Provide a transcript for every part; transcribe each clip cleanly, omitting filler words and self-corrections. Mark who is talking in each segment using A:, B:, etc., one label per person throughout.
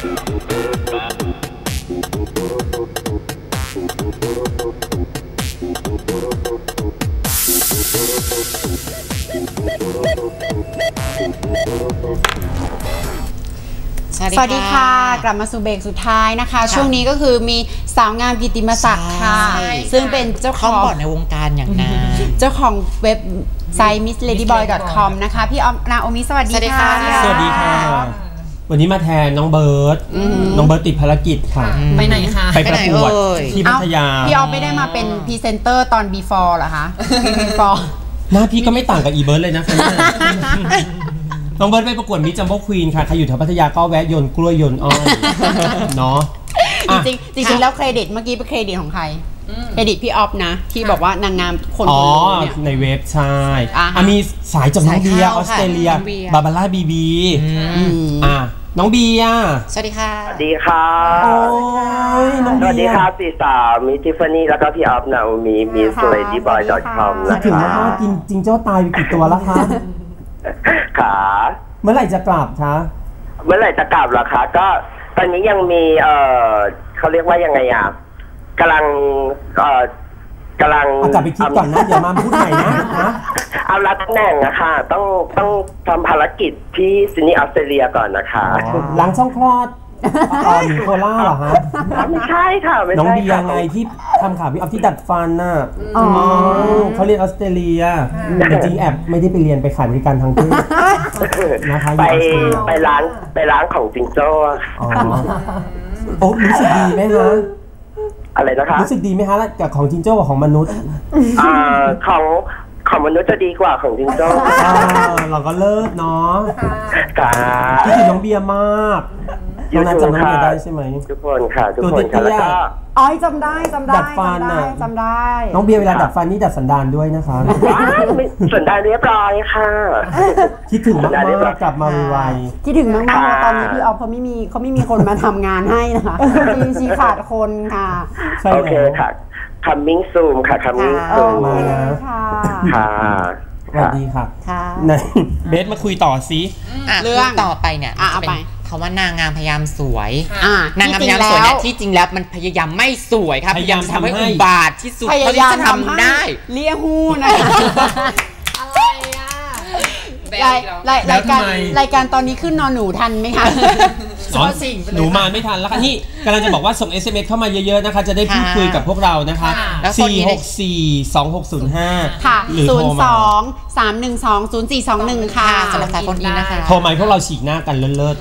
A: สวัสดีค่ะกลับมาสู่เบรกสุดท้ายนะคะช่วงนี้ก็คือมีสาวงามกิตติมศักดิ์ค่ะซึ่งเป็นเจ้าของบอร์ดในวงการอย่างนั้นเจ้าของเว็บไซต์ missladyboy.com นะคะพี่ออมนาโอมิสวัสดีค่ะ
B: สวัสดีค่ะวันนี้มาแทนน้องเบิร์ดติดภารกิจค่ะ
C: ไปไหนคะ
B: ไปประกวดที่พัทยา
A: พี่ออมไม่ได้มาเป็นพรีเซนเตอร์ตอน before เหรอคะ before
B: หน้าพี่ก็ไม่ต่างกับอีเบิร์ดเลยนะคะน้องเบิร์ดไปประกวดมิสจัมโบ้ควีนค่ะใครอยู่แถวพัทยาก็แวะโยนกล้วยโยนอ้อยเนาะ
A: จริงแล้วเครดิตเมื่อกี้เป็นเครดิตของใครเครดิตพี่ออฟนะที่บอกว่านางงามคน
B: เนี่ยในเว็บใช่มีสายจากน้องเบียร์ออสเตรเลียบาบาร่าบีน้องเบียร์
A: สวัสดีค่ะ
D: สวัสดีค่ะสวัสดีค่ะสี่สาวมิทิฟฟานี่แล้วก็พี่ออฟนาโอมิmissladyboy.com นะคะ
B: ถึงมากกินจริงเจ้าตายไปกี่ตัวแล้วคะ
D: ขา
B: เมื่อไหร่จะกลับคะ
D: เมื่อไหร่จะกลับเหรอคะก็ตอนนี้ยังมีเขาเรียกว่ายังไงอ่ะกำลัง
B: กลับไปคิดก่อนนะอย่ามาพูดใหม่นะ
D: เอารับตำแหน่งนะคะต้องทำภารกิจที่ซิดนีย์ออสเตรเลียก่อนนะคะ
B: หลังช่องคลอดโคล่าเหรอฮะ
D: ไม่ใช่ค่ะ
B: น้องเบียร์ไงที่ทำข่าวพี่ออฟที่ดัดฟันน่ะเขาเรียนออสเตรเลียจริงๆแอบไม่ได้ไปเรียนไปขายบริการทางเพศ
D: นะคะไปร้านของจิงโจ้
B: โอ้รู้สึกดีไหมคะ
D: อะไรนะคะ
B: รู้สึกดีไหมคะกับของจิงโจ้กับของมนุษย์
D: ของมนุษย์จะดีกว่าของจิงโจ้
B: เราก็เลิศเนาะคิดถึงน้องเบียร์มากน้องนัทจำน้องเบียร์ได้ใช่ไหม
D: ทุกคนค่ะทุกคนค่ะแล้วก็
A: จำได้
B: ดัดฟัน
A: จำได้
B: น้องเบียร์เวลาดัดฟันนี่ดัดสันดานด้วยนะคะ
D: สันดานเรียบร้อยค่ะ
B: คิดถึงมากกลับมาไว
A: คิดถึงมากๆตอนนี้พี่ออฟเขาไม่มีคนมาทำงานให้นะคะชีขาดคนค่ะ
D: โอเคค่ะcoming soon ค่ะ coming soon
B: มา
D: ค่ะ
B: สวัสดีค่ะเบสมาคุยต่อซิ
C: เรื่องต่อไปเนี่ยเป็นคำว่านางงามพยายามสวยนางงามพยายามสวยเนี่ยที่จริงแล้วมันพยายามไม่สวยครับพยายามทำให้อุบาทที่สุด
A: พยายามทำได้เลี้ยหูนะคะอะไรอ่ะรายการตอนนี้ขึ้นนอนหนูทันไหมคะ
B: หนูมาไม่ทันแล้วค่ะนี่กำลังจะบอกว่าส่ง SMS เข้ามาเยอะๆนะคะจะได้พูดคุยกับพวกเรานะคะ4642605
A: ค่ะ02-312-0421ค่ะ
C: สำหรับสายคนนี้นะคะ
B: โทรมาพวกเราฉีกหน้ากันเลิศ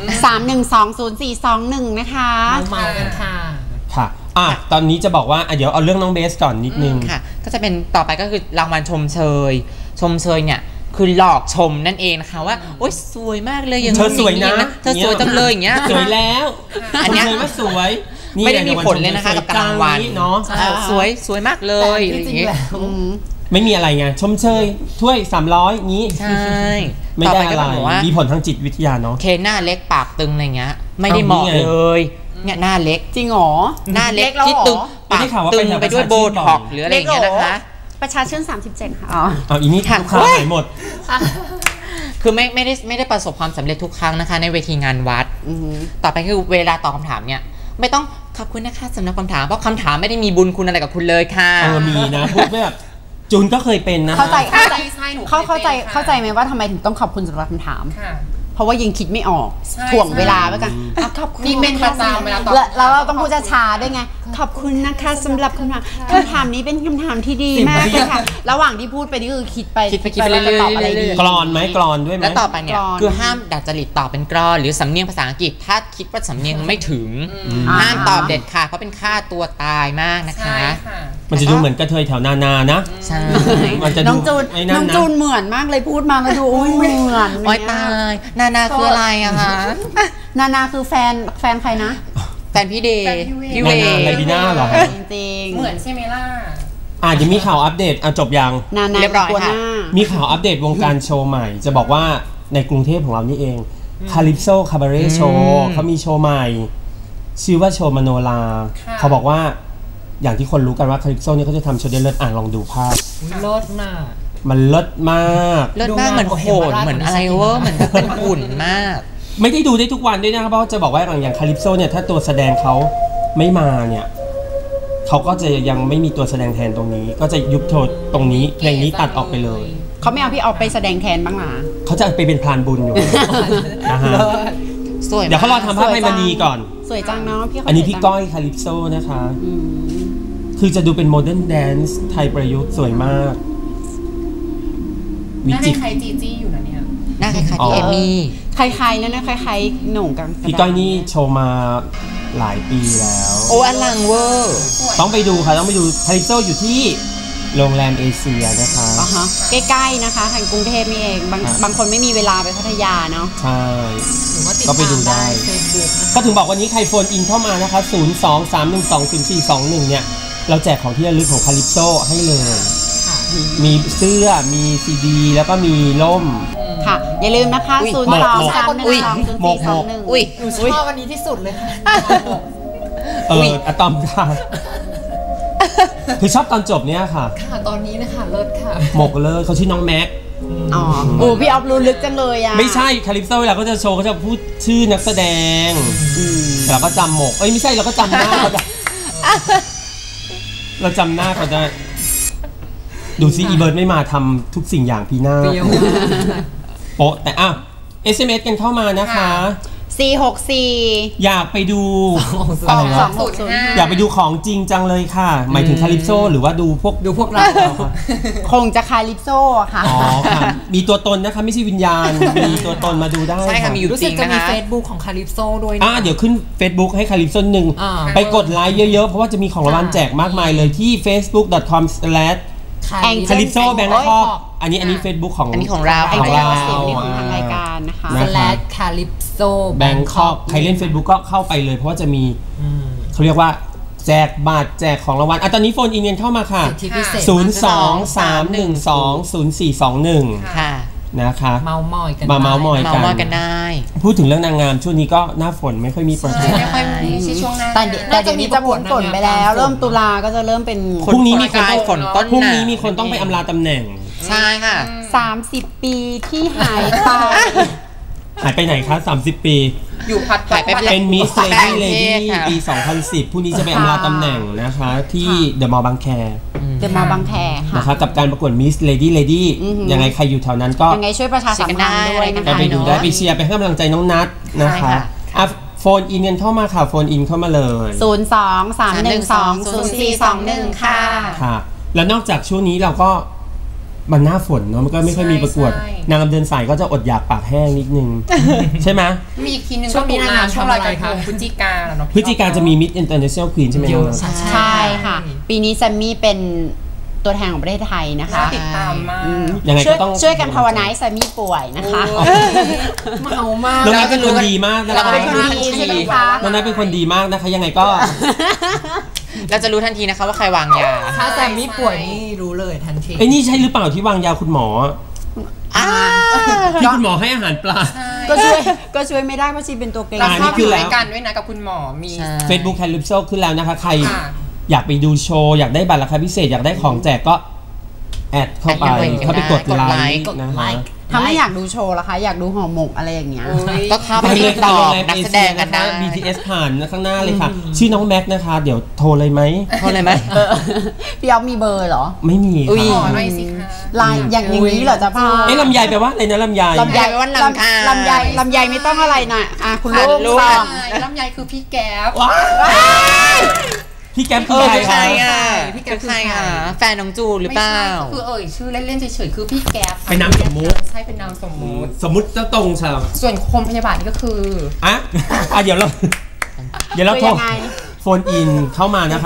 A: 312-0421นะคะ
C: เมากัน
B: ค่ะตอนนี้จะบอกว่าเดี๋ยวเอาเรื่องน้องเบสก่อนนิดนึง
C: ค่ะก็จะเป็นต่อไปก็คือรางวัลชมเชยเนี่ยคือหลอกชมนั่นเองนะคะว่าโอ๊ยสวยมากเลยอย่าง
B: เธอสวยนะ
C: เธอสวยจังเลยอย่างเงี้ย
B: สวยแล้วอันนี้ว่าสวย
C: ไม่ได้มีผลเลยนะคะกับรางวัลเนาะสวยมากเลยอย่างเงี้ย
B: ไม่มีอะไรไงชมเชยถ้วย300งี้
C: ใช่
B: ไม่ได้อะไรมีผลทางจิตวิทยาเนาะ
C: เคหน้าเล็กปากตึงอะไรเงี้ยไม่ได้เหมาะเลยเนี่ยหน้าเล็ก
A: จริงหรอ
C: หน้าเล็กที่ตึงปากตึงไปด้วยโบท็อกหรืออะไรอย่างเงี้ยนะคะ
A: ประชาชื่น37ค่ะ
B: อีนี่ลูกค้าหายหมด
C: คือไม่ได้ประสบความสำเร็จทุกครั้งนะคะในเวทีงานวัดต่อไปคือเวลาตอบคำถามเนี่ยไม่ต้องขอบคุณนะคะสำหรับคำถามเพราะคำถามไม่ได้มีบุญคุณอะไรกับคุณเลยค่ะ
B: มีนะพูดแบบจูนก็เคยเป็นนะ
A: เข้าใจไหมว่าทำไมถึงต้องขอบคุณสำหรับคำถามเพราะว่ายังคิดไม่ออกถ่วงเวลาไว้กันขอบคุณ
C: นี่เป็นประจำเวลาตอบ
A: แล้วเราต้องพูดช้าๆด้วยไงขอบคุณนะคะสำหรับคำถามนี้เป็นคำถามที่ดีมากเลยค่ะระหว่างที่พูดไปนี่คือคิดไป
C: แล้ว
A: จะตอบอะไรดี
B: กรอนไหมกรอนด้วยไหม
C: แล้วต่อไปเนี่ยคือห้ามดัดจริตตอบเป็นกรอนหรือสำเนียงภาษาอังกฤษถ้าคิดว่าสำเนียงไม่ถึงห้ามตอบเด็ดขาดเพราะเป็นค่าตัวตายมากนะคะ
B: มันจะดูเหมือนกระเทยแถวนานะ
C: ใช่
A: น้องจูนเหมือนมากเลยพูดมาแล้วดูเหมือน
C: โอ๊ยตายนาคืออะไรอะคะ
A: นาคือแฟนใครนะ
C: แฟนพี่เดย์
B: พี่เวย์อะไรบีน่าหรอ
A: จริง
C: เหมือนใช่ไหมล่
B: ะจะมีข่าวอัปเดตจบยัง
A: เรียบร้อยค่ะ
B: มีข่าวอัปเดตวงการโชว์ใหม่จะบอกว่าในกรุงเทพของเรานี่เองคาลิปโซคาบาเร่โชว์เขามีโชว์ใหม่ชื่อว่าโชว์มโนราเขาบอกว่าอย่างที่คนรู้กันว่าคาลิปโซนี่เขาจะทำโชว์เดนเลิศลองดูภาพ
C: เลิศมาก
B: มันเลิศมาก
C: เหมือนโหดเหมือนอะไรเวอร์เหมือนเป็นหุ่นมาก
B: ไม่ได้ดูได้ทุกวันด้วยนะครับเพราะจะบอกว่าอย่างคาลิปโซเนี่ยถ้าตัวแสดงเขาไม่มาเนี่ยเขาก็จะยังไม่มีตัวแสดงแทนตรงนี้ก็จะยุบโทษตรงนี้เพลงนี้ตัดออกไปเลย
A: เขาไม่เอาพี่ออฟไปแสดงแทนบ้างหรอ
B: เขาจะไปเป็นพรานบุญอยู่นะฮะ
C: สวย
B: เดี๋ยวเขารอทำภาพให้มณีก่อน
A: สวยจังเนาะพี่
B: อันนี้พี่ก้อยคาลิปโซนะคะคือจะดูเป็นโมเดิร์นแดนซ์ไทยประยุกต์สวยมาก
E: หน้าคล้ายจีจี้อยู่นะเนี่ย
C: หน้าคล้ายๆพี่เอมี่
A: คล้ายๆนั่นนะคล้ายๆหนุ่มกัน
B: พี่ก้อยนี่โชว์มาหลายปีแล้ว
C: โอ้อลังเวอร์
B: ต้องไปดูค่ะต้องไปดูคาลิปโซอยู่ที่โรงแรมเอเชียนะคะ
A: ใกล้ๆนะคะทางกรุงเทพนี่เองบางคนไม่มีเวลาไปพัทยาเนาะ
B: ใช่ก็ไปดูได้ก็ถึงบอกวันนี้ใครโฟนอินเข้ามานะคะ023120421เนี่ยเราแจกของที่ระลึกของคาลิปโซให้เลยมีเสื้อมีซีดีแล้วก็มีล่ม
A: ค่ะอย่าลืมนะคะ023120421
E: อุ้ยหนูชอบวันนี้ที่สุดเลยค่ะ
B: อะตอมค่ะคือชอบตอนจบเนี่ยค่ะ
E: ตอนนี้นะคะเลิศค่ะ
B: หมกเลยเขาชื่อน้องแม็ก
A: โอ้พี่ออฟรู้ลึกจังเลยอ่ะ
B: ไม่ใช่คาลิปโซเวลาก็จะโชว์เขาจะพูดชื่อนักแสดงเราก็จำหมกไม่ใช่เราก็จำหน้าเขาได้เราจำหน้าเขาได้ดูซิอีเบิร์ดไม่มาทำทุกสิ่งอย่างพีหน้าโป๊ะแต่SMS กันเข้ามานะคะ
A: 464
B: อยากไปดูอยากไปดูของจริงจังเลยค่ะหมายถึงคาลิปโซหรือว่าดูพวกเรา
A: คงจะคาลิปโซค่ะ
B: อ๋อค่ะมีตัวตนนะคะไม่ใช่วิญญาณมีตัวตนมาดูได้
C: ใช่ค่ะมีอยู่จริงนะคะ
E: รู้สึกจะมี Facebook ของคาลิปโซด้วย
B: เดี๋ยวขึ้น Facebook ให้คาลิปโซ1ไปกดไลค์เยอะๆเพราะว่าจะมีของรางวัลแจกมากมายเลยที่ facebook.com/calypso Bangkok อันนี้ Facebook ของ
C: อันนี้ของเรา
A: ของทางรายการนะคะ
E: /calypso
B: Bangkok ใครเล่น Facebook ก็เข้าไปเลยเพราะว่าจะมีเขาเรียกว่าแจกบัตรแจกของรางวัลตอนนี้โฟนอินเงินเข้ามาค่ะ023120421
C: ค่ะ
B: นะคะ
E: เมาส์มอยกัน
C: ได้
B: พูดถึงเรื่องนางงามช่วงนี้ก็หน้าฝนไม่ค่อยมีประกวด
E: ไม่ค่อยมีช่วงหน้า
A: แต่เดี๋ยวนี้จะพ้นฝนไปแล้วเริ่มตุลาก็จะเริ่มเป็น
B: พรุ่งนี้มีคน
C: ฝนต้น
B: พรุ่งนี้มีคนต้องไปอำลาตำแหน่ง
C: ใช่ค่ะ
A: 30 ปีที่หาย
B: ไปไหนคะ30 ปี
E: อยู่พัด
C: หายไป
B: เป็นมิสเลดี้ปี2010พรุ่งนี้จะไปอำลาตำแหน่งนะคะที่เดอะมอลล์บางแคนะคะกับการประกวดมิสเลดี้ยังไงใครอยู่แถวนั้นก็
A: ยังไงช่วยประชาสัมพันธ์ด้วยนะคะ
B: ไปดูได้ไปเชียร์ไปให้กำลังใจน้องนัทนะคะโฟนอินกันเข้ามาค่ะโฟนอินเข้ามาเลย
A: 023120421
B: ค่ะแล้วนอกจากช่วงนี้เราก็มันหน้าฝนเนาะมันก็ไม่ค่อยมีประกวดนางงามเดินสายก็จะอดอยากปากแห้งนิดนึงใช่ไหม
E: มีอีกทีนึงก็มีนางงามช่วงรายการพฤศจิกาเนาะ
B: พฤศจิกาจะมีมิสอินเตอร์เนชั่นแนลควีนใช่ไหม
A: ใช่ค่ะปีนี้แซมมี่เป็นตัวแทนของประเทศไทยนะคะ
E: ติดตามมาก
B: ยังไงก็ต้อง
A: ช่วยกันภาวนาให้แซมมี่ป่วยนะคะ
E: เมามาก
B: น้องนัทเป็นคนดีมาก
A: เราเป็นคนดีใช่ไหมคะ
B: น้องนัทเป็นคนดีมากนะคะยังไงก็
C: เราจะรู้ทันทีนะคะว่าใครวางยา
E: ถ้าแซมมี่ป่วยนี่รู้เลยทันที
B: นี่ใช่หรือเปล่าที่วางยาคุณหมอที่คุณหมอให้อาหารปลา
A: ก็ช่วยไม่ได้เพราะชีเป็นตัวเกรง
E: นี่คือรายการด้วยนะกับคุณหมอมี
B: Facebook Calypso ขึ้นแล้วนะคะใครอยากไปดูโชว์อยากได้บัตรราคาพิเศษอยากได้ของแจกก็แอดเข้าไปกดไลค์นะคะ
A: ถ้าไม่อยากดูโชว์ล่ะคะอยากดูห่อหมกอะไรอย่างเงี้ย
C: ก็เข้าไปติดต่อนักแสดงกันนะ
B: BTS ผ่านข้างหน้าเลยค่ะชื่อน้องแม็กนะคะเดี๋ยวโทรเลยไหม
A: พี่อ๊อฟมีเบอร์เหรอ
B: ไม่มี
E: ขอหน่อยสิคะ
A: ไลน์อย่างนี้เหรอจ๊ะพ่อ
B: ลำไยแปลว่าอะไรนะลำไย
C: แปลว่าลำ
A: ไยไม่ต้องอะไรนะคุณลูก
E: ลำไยคือพี่แก๊ป
B: พี่แก๊ปคือใคร
C: พี่แก๊ปคือใครแฟนน้องจูหรือเปล่า
E: คือชื่อเล่นๆเฉยๆคือพี่แก๊ป
B: เป็นนามสมมุติ
E: ใช่เป็นนามสมมุ
B: ติเจ้าตรงใช่ไหม
E: ส่วนคมพยาบาลนี่ก็คือ
B: เดี๋ยวเราโทรโฟนอินเข้ามานะคะ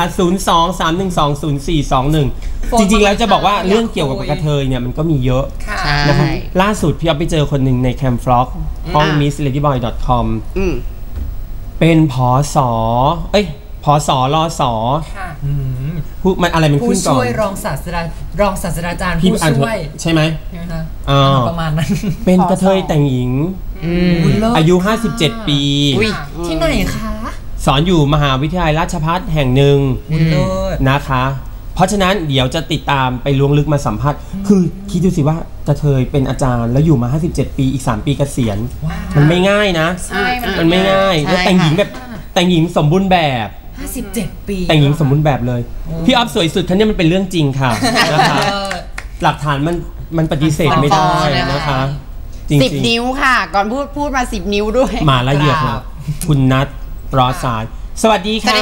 B: 023120421จริงๆแล้วจะบอกว่าเรื่องเกี่ยวกับกระเทยเนี่ยมันก็มีเยอะนะคะล่าสุดพี่อ๊อฟไปเจอคนหนึ่งในแคมฟล็อกห้อง missladyboy.com เป็นผสรสผู้มันอะไรมันขึ้นก่อน
E: ผู้ช่วยรองศาสตราจารย์ผู้ช่วย
B: ใช่ไหม
E: ประมาณนั้น
B: เป็นกระเทยแต่งหญิงอายุ57 ปี
E: ที่ไหนคะ
B: สอนอยู่มหาวิทยาลัยราชภัฏแห่งหนึ่งนะคะเพราะฉะนั้นเดี๋ยวจะติดตามไปล้วงลึกมาสัมภาษณ์คือคิดดูสิว่ากระเทยเป็นอาจารย์แล้วอยู่มา57 ปีอีก3 ปีเกษียณมันไม่ง่ายนะมันไม่ง่ายแล้วแต่งหญิงแบบแต่งหญิงสมบูรณ์แบบ
E: 57 ปี
B: แต่งหญิงสมบูรณ์แบบเลยพี่ออฟสวยสุดคันนี้มันเป็นเรื่องจริงค่ะนะคะหลักฐานมันปฏิเสธไม่ได้นะคะจริง
A: 10 นิ้วค่ะก่อนพูดมา10 นิ้วด้วย
B: มาละเอียดค่ะคุณนัทรอสายสวัสดีค่ะ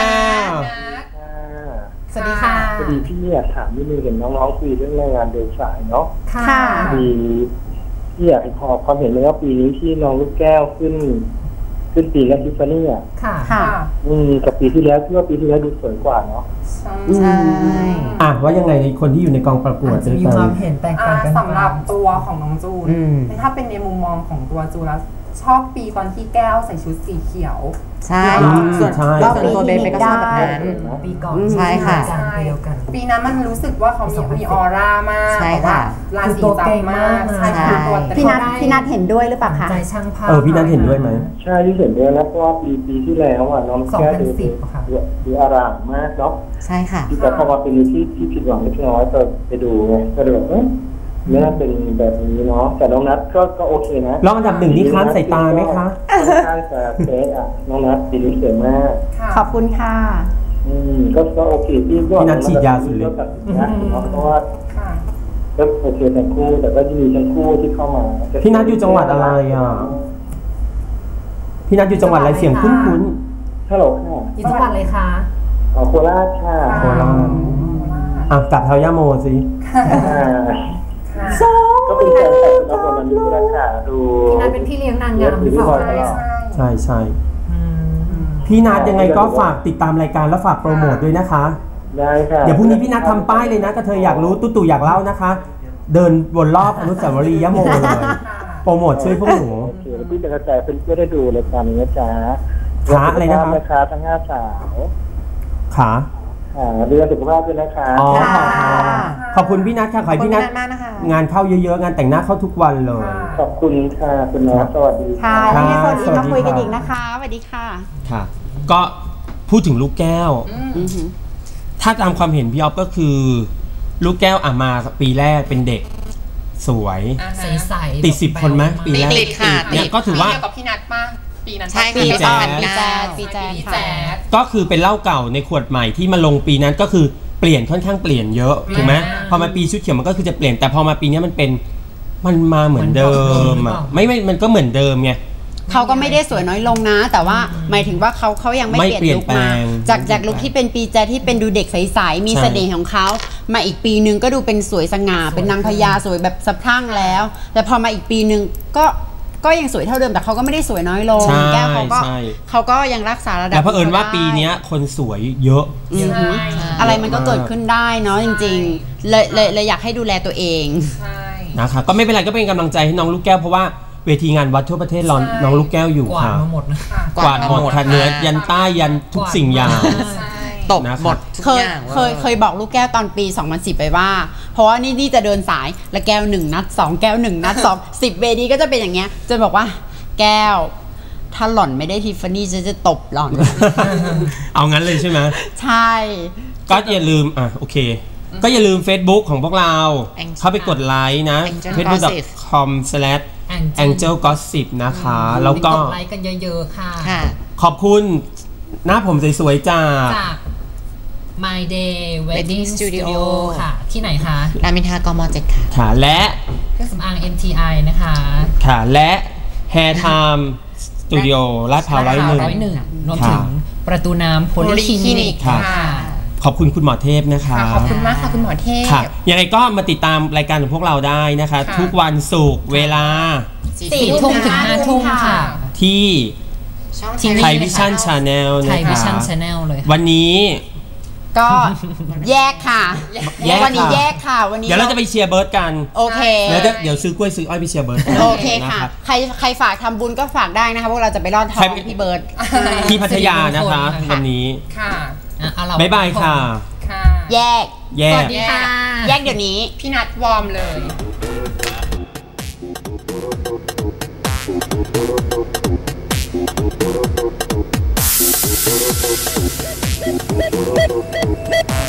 E: สวัสดีค่ะ
F: พอดีพี่อยากถามนิดนึงเห็นน้องๆคุยเรื่องแรงงานเดินสายเนาะ
A: ค่ะ
F: พี่อยากขอความเห็นเลยว่าปีนี้ที่น้องลูกแก้วขึ้นปีแรกทิฟฟานี่
A: ค่ะ
F: กับปีที่แล้วที่ว่าปีที่แล้วดูสวยกว่าเนาะ
A: ใช่
B: ว่ายังไงคนที่อยู่ในกองประกวด
E: จะมีความเห็นแตกต่างกัน
G: สำหรับตัวของน้องจูนถ้าเป็นในมุมมองของตัวจูนแล้วชอบปีตอนที่แก้วใส่ชุดสีเขียว
A: ใช่
C: ส่วนตัวเบนก็ชอบแบบนั้น
E: ปีก่อน
C: ใช่ค่ะ
G: ปีนั้นมันรู้สึกว่าเขามีออร่ามาก
C: ใช่ค่ะ
G: ราศีจับมากใช่ตัว
A: พี่นัทเห็นด้วยหรือเปล่าคะ
E: ใจช่างภาพ
B: พี่นัทเห็นด้วยไหม
F: ใช่ที่เห็นด้วยนะเพราะว่าปีที่แล้วน้องแก้วดูอารามมากเนาะ
C: ใช่ค่ะ
F: แต่พอมาเป็นที่ผิดหวังเล็กน้อยไปดูไงก็เลยแบบไม่น่าเป็นแบบนี้เนาะแต่น้องนัทก็โอเคนะ
B: รองอันดับ1นี่ค้านสายตาไหมคะ
F: ค้านสายเฟสน้องนัทปีนี้สวยมาก
A: ขอบคุณค่ะ
F: ก็โอเคพี่
B: นัทฉีดยาสุดเลย
F: เพราะว่าก็โอเคทั้งคู่แต่ก็จะมีทั้งคู่ที่เข้ามา
B: พี่นัทอยู่จังหวัดอะไรพี่นัทอยู่จังหวัดอะไรเสียงคุ้น
F: ฮัลโหลค่ะ
E: อยู่จังหวัดอะไรคะ
F: โคราชค่ะ
B: โคราชกลับเท้าย่าโมสิ
F: ก็เป็นแฟนแต่ละคนมันดูราคาดู
E: พี่นัทเป็นพี่เลี้ยงนางงามหรือเปล่า
B: ใช่พี่นัทยังไงก็ฝากติดตามรายการแล้วฝากโปรโมทด้วยนะคะ
F: ได้ค่ะ
B: เดี๋ยวพรุ่งนี้พี่นัททำป้ายเลยนะกระเทยอยากรู้ตู่อยากเล่านะคะเดินวนรอบอนุสาวรีย์ย่าโมเลยโปรโมทช่วยพวกหนู
F: พี่จะกระจายเพื่อนได้ดูรายการนี้นะจ๊ะ
B: ขาอะไรนะครับ
F: ขาทั้ง5 สาว
B: ขา
F: เดือนสุขภาพด้วยนะคะ
B: ขอบคุณพี่นัทค่ะขอให้พี่นัทงานเข้าเยอะๆงานแต่งหน้าเข้าทุกวันเลย
F: ขอบคุณค่ะคุณน้องสวัสดี
A: ค่ะที่ให้คนอีกมาคุยกันอีกนะคะสวัสดีค่ะ
B: ค่ะก็พูดถึงลูกแก้วถ้าตามความเห็นพี่อ๊อฟก็คือลูกแก้วมาปีแรกเป็นเด็กสวย
E: ใสๆ
B: ติด10 คนไหมปีแรกเนี่ยก็ถือว่า
G: กับพี่นัทป่ะปีนั้น
C: ใช่
A: ปีแจ๊
G: ด
B: ก็คือเป็นเหล้าเก่าในขวดใหม่ที่มาลงปีนั้นก็คือเปลี่ยนค่อนข้างเปลี่ยนเยอะถูกไหมพอมาปีชุดเขียวมันก็คือจะเปลี่ยนแต่พอมาปีนี้มันมาเหมือนเดิมไม่มันก็เหมือนเดิมไง
A: เขาก็ไม่ได้สวยน้อยลงนะแต่ว่าหมายถึงว่าเขายังไม่เปลี่ยนลุคมาจากลุคที่เป็นปีแจ๊ที่เป็นดูเด็กใสๆมีเสน่ห์ของเขามาอีกปีนึงก็ดูเป็นสวยสง่าเป็นนางพญาสวยแบบสะพรั่งแล้วแต่พอมาอีกปีนึงก็ยังสวยเท่าเดิมแต่เขาก็ไม่ได้สวยน้อยลงแก้วเขาก็ยังรักษาระดับ
B: แต่เผอิญว่าปีนี้คนสวยเยอะ
A: อะไรมันก็เกิดขึ้นได้เนาะจริงๆเลยอยากให้ดูแลตัวเอง
B: นะคะก็ไม่เป็นไรก็เป็นกำลังใจให้น้องลูกแก้วเพราะว่าเวทีงานวัดทั่วประเทศน้องลูกแก้วอยู่ค่ะ
E: กวาดมาหมดนะ
B: กวาดหมดค่ะเหนือยันใต้ยันทุกสิ่งอย่าง
C: ตกหมด
A: เคยบอกลูกแก้วตอนปี2010ไปว่าเพราะว่านี่จะเดินสายแล้วแก้ว1 นัด 2 แก้ว1 นัด 2 10 เวทีก็จะเป็นอย่างเงี้ยจะบอกว่าแก้วถ้าหล่อนไม่ได้ทิฟฟานี่จะตบหล่อน
B: เอางั้นเลยใช่ไหม
A: ใช่
B: ก็อย่าลืมโอเคก็อย่าลืม Facebook ของพวกเราเข้าไปกดไลค์นะ facebook.com/Angel Gossip นะคะแล้วก็
E: กดไลค์กันเยอะๆค่ะ
B: ขอบคุณหน้าผมสวยๆจาก
E: My Day Wedding Studio ค่ะที่ไหนคะ
C: รามอินทรากม.7
B: ค่ะและ
E: เครื่องสำอาง MTI นะคะ
B: ค่ะและ Hair Time Studio ลาดพร้าว101
E: รวมถึงประตูน้ำโพลีคลินิกค่ะ
B: ขอบคุณคุณหมอเทพนะคะ
G: ขอบคุณมากค่ะคุณหมอเทพ
B: ค่ะยังไงก็มาติดตามรายการของพวกเราได้นะคะทุกวันศุกร์เวลา
E: 4 ทุ่มถึง 5 ทุ่มค่ะ
B: ที่ไทยวิชั่นชาแนลนะคะ
E: ไทยวิชั่นชาแนลเลย
B: วันนี้
A: ก็แยกค่ะวันนี้แยกค่ะวันนี้
B: เดี๋ยวเราจะไปเชียร์เบิร์ดกัน
A: โอเค
B: แล้วเดี๋ยวซื้อกล้วยซื้ออ้อยไปเชียร์เบิร์ด
A: โอเคค่ะใครฝากทำบุญก็ฝากได้นะคะพวกเราจะไปรอดทองพี่เบิร์ด
B: ที่พัทยานะคะวันนี้
G: ค่ะ
B: บ๊ายบายค่ะ
A: แยก
B: ส
A: วัสดีค่ะแยกเดี๋ยวนี้
G: พี่นัทวอร์มเลย